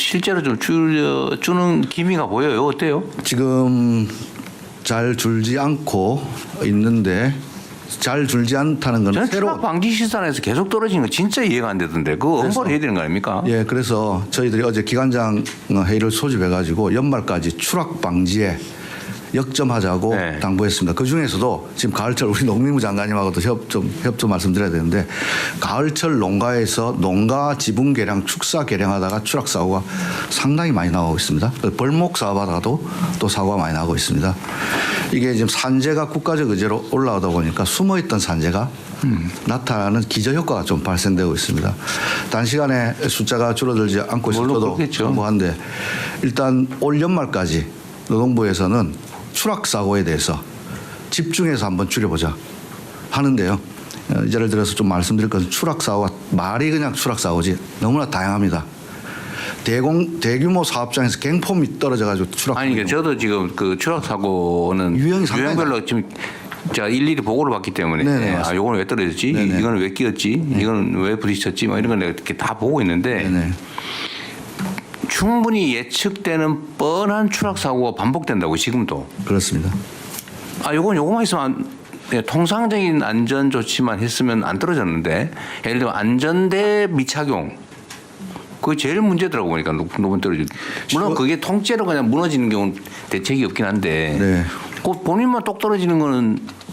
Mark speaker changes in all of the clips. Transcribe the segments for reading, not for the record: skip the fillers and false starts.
Speaker 1: 실제로 좀 줄여주는 기미가 보여요. 어때요?
Speaker 2: 지금 잘 줄지 않고 있는데 잘 줄지 않다는 건
Speaker 1: 저는
Speaker 2: 새로운
Speaker 1: 추락 방지 시설에서 계속 떨어지는 거 진짜 이해가 안 되던데 그거 홍보를 해야 되는 거 아닙니까?
Speaker 2: 예, 그래서 저희들이 어제 기관장 회의를 소집해가지고 연말까지 추락 방지에 역점하자고
Speaker 1: 네.
Speaker 2: 당부했습니다. 그 중에서도 지금 가을철 우리 농림부 장관님하고도 협조 말씀드려야 되는데 가을철 농가에서 농가 지분 개량, 축사 개량하다가 추락 사고가 상당히 많이 나오고 있습니다. 벌목 사업하다가도 또 사고가 많이 나오고 있습니다. 이게 지금 산재가 국가적 의제로 올라오다 보니까 숨어있던 산재가 나타나는 기저효과가 좀 발생되고 있습니다. 단시간에 숫자가 줄어들지 않고 있어도 정부한데 일단 올 연말까지 노동부에서는 추락 사고에 대해서 집중해서 한번 줄여보자 하는데요. 예를 들어서 좀 말씀드릴 것은 추락 사고가 말이 그냥 추락 사고지 너무나 다양합니다. 대규모 사업장에서 갱폼이 떨어져가지고 추락.
Speaker 1: 아니 그러니까 저도 지금 그 추락 사고는 유형별로 지금 제가 일일이 보고를 받기 때문에
Speaker 2: 네네,
Speaker 1: 아 요거는 왜 떨어졌지?
Speaker 2: 네네.
Speaker 1: 이거는 왜 끼었지? 이거는 왜 부딪혔지? 뭐 이런 걸 내가 이렇게 다 보고 있는데.
Speaker 2: 네네.
Speaker 1: 충분히 예측되는 뻔한 추락 사고가 반복된다고 지금도.
Speaker 2: 그렇습니다.
Speaker 1: 아 요거만 있으면 통상적인 안전 조치만 했으면 안 떨어졌는데 예를 들면 안전대 미착용 그게 제일 문제더라고 보니까 높은 떨어지. 물론 그게 통째로 그냥 무너지는 경우는 대책이 없긴 한데
Speaker 2: 네.
Speaker 1: 그 본인만 똑 떨어지는 거는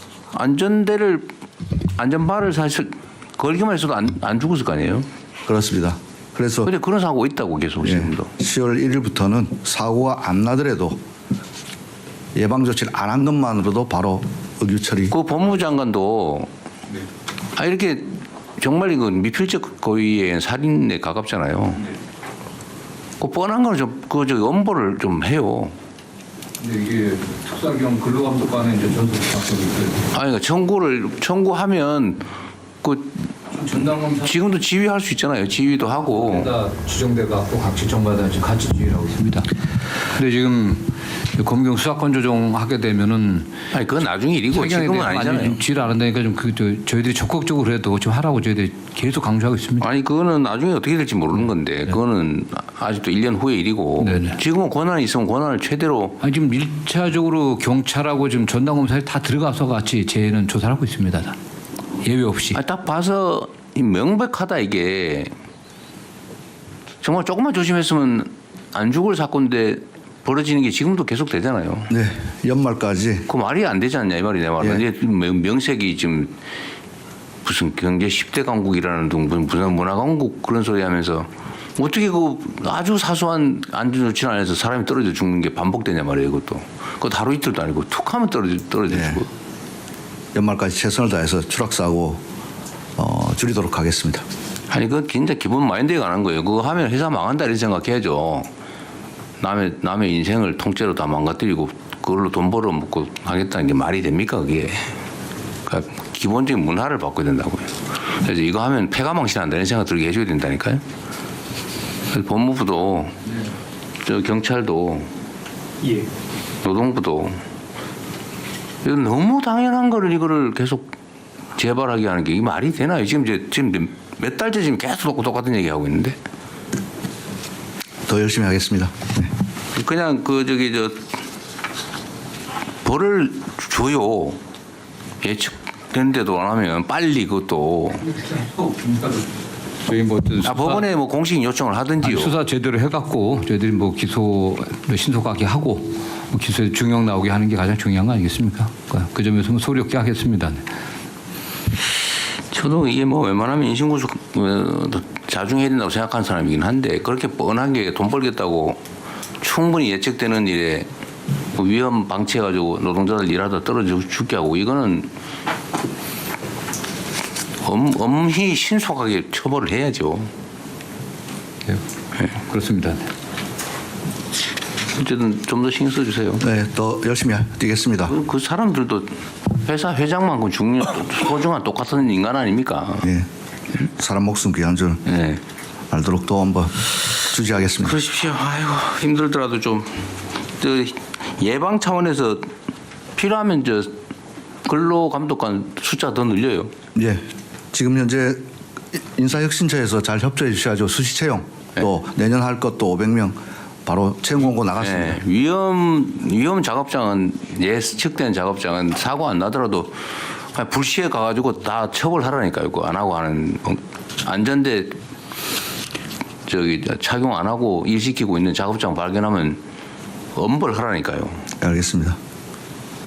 Speaker 1: 안전바를 사실 걸기만 했어도 안 죽었을 거 아니에요.
Speaker 2: 그렇습니다. 그래서
Speaker 1: 근데 그런 사고가 있다고 계속 지금도.
Speaker 2: 10월 1일부터는 사고가 안 나더라도 예방 조치를 안 한 것만으로도 바로 의규 처리.
Speaker 1: 그 법무부 장관도 이렇게 정말 이건 미필적 고의의 살인에 가깝잖아요. 그 뻔한 거는 저 엄벌을 좀 해요.
Speaker 3: 근데 이게 특사경 근로감독관의 이제 전속 작성이 있어요.
Speaker 1: 아니 그러니까 청구하면 그
Speaker 3: 전담검사
Speaker 1: 지금도 지휘할 수 있잖아요. 지휘도 하고.
Speaker 3: 다 지정돼 갖고 각 지청마다 지금 같이 지휘하고 있습니다. 근데 지금 검경 수사권 조정하게 되면은
Speaker 1: 아니 그건 나중에 일이고 지금은 아니잖아요.
Speaker 3: 지휘를 안 한다니까 좀 저희들이 적극적으로 해도 좀 하라고 저희들이 계속 강조하고 있습니다.
Speaker 1: 아니 그거는 나중에 어떻게 될지 모르는 건데 그거는 아직도 1년 후의 일이고
Speaker 3: 네네.
Speaker 1: 지금은 권한이 있으면 권한을 최대로.
Speaker 3: 아니 지금 1차적으로 경찰하고 지금 전담검사에 다 들어가서 같이 저희는 조사를 하고 있습니다. 다. 예외 없이.
Speaker 1: 아니, 딱 봐서 명백하다 이게. 정말 조금만 조심했으면 안 죽을 사건인데 벌어지는 게 지금도 계속 되잖아요.
Speaker 2: 네, 연말까지.
Speaker 1: 그 말이 안 되지 않냐 이 말이 내 말은.
Speaker 2: 예.
Speaker 1: 이제 명색이 지금 무슨 경제 10대 강국이라는 둥 무슨 문화 강국 그런 소리 하면서 어떻게 그 아주 사소한 안전 조치를 안 해서 사람이 떨어져 죽는 게 반복되냐 말이에요. 이것도. 그거 하루 이틀도 아니고 툭 하면 떨어져
Speaker 2: 네.
Speaker 1: 죽고.
Speaker 2: 연말까지 최선을 다해서 추락 사고 줄이도록 하겠습니다.
Speaker 1: 아니 그 진짜 기본 마인드에 관한 거예요. 그거 하면 회사 망한다 이렇게 생각해야죠. 남의 인생을 통째로 다 망가뜨리고 그걸로 돈 벌어먹고 하겠다는 게 말이 됩니까 그게. 그러니까 기본적인 문화를 바꿔야 된다고요. 그래서 이거 하면 폐가망신한다 이런 생각 들게 해줘야 된다니까요. 그래서 법무부도 저 경찰도 노동부도 이거 너무 당연한 거를 이거를 계속 재발하게 하는 게 이게 말이 되나요? 지금 몇 달째 지금 계속 똑같은 얘기 하고 있는데.
Speaker 2: 더 열심히 하겠습니다. 네.
Speaker 1: 그냥 벌을 줘요. 예측된데도 안 하면 빨리 그것도.
Speaker 3: 저희 뭐
Speaker 1: 법원에 뭐 공식 요청을 하든지요.
Speaker 3: 수사 제대로 해갖고 저희들이 뭐 기소를 신속하게 하고 뭐 기소에 중형 나오게 하는 게 가장 중요한 거 아니겠습니까? 그 점에서 뭐 소리 없게 하겠습니다.
Speaker 1: 저도 이게 뭐 웬만하면 인신구속 자중해야 된다고 생각하는 사람이긴 한데 그렇게 뻔하게 돈 벌겠다고 충분히 예측되는 일에 위험 방치해가지고 노동자들 일하다 떨어져 죽게 하고 이거는 엄히 신속하게 처벌을 해야죠.
Speaker 3: 네. 그렇습니다.
Speaker 1: 어쨌든 좀 더 신경 써주세요.
Speaker 2: 네, 더 열심히 뛰겠습니다.
Speaker 1: 그 사람들도 회사 회장만큼 소중한 똑같은 인간 아닙니까?
Speaker 2: 네, 사람 목숨 귀한 줄
Speaker 1: 네.
Speaker 2: 알도록 또 한번 주지하겠습니다.
Speaker 1: 그러십시오. 아이고 힘들더라도 좀 예방 차원에서 필요하면 근로감독관 숫자 더 늘려요.
Speaker 2: 예, 지금 현재 인사혁신처에서 잘 협조해 주셔야죠. 수시 채용 또 내년 할 것도 500명 바로 채용 공고 나갔습니다.
Speaker 1: 네, 위험 작업장은 예측된 작업장은 사고 안 나더라도 그냥 불시에 가가지고 다 처벌하라니까요. 그거 안 하고 하는 안전대 착용 안 하고 일 시키고 있는 작업장 발견하면 엄벌하라니까요.
Speaker 2: 알겠습니다.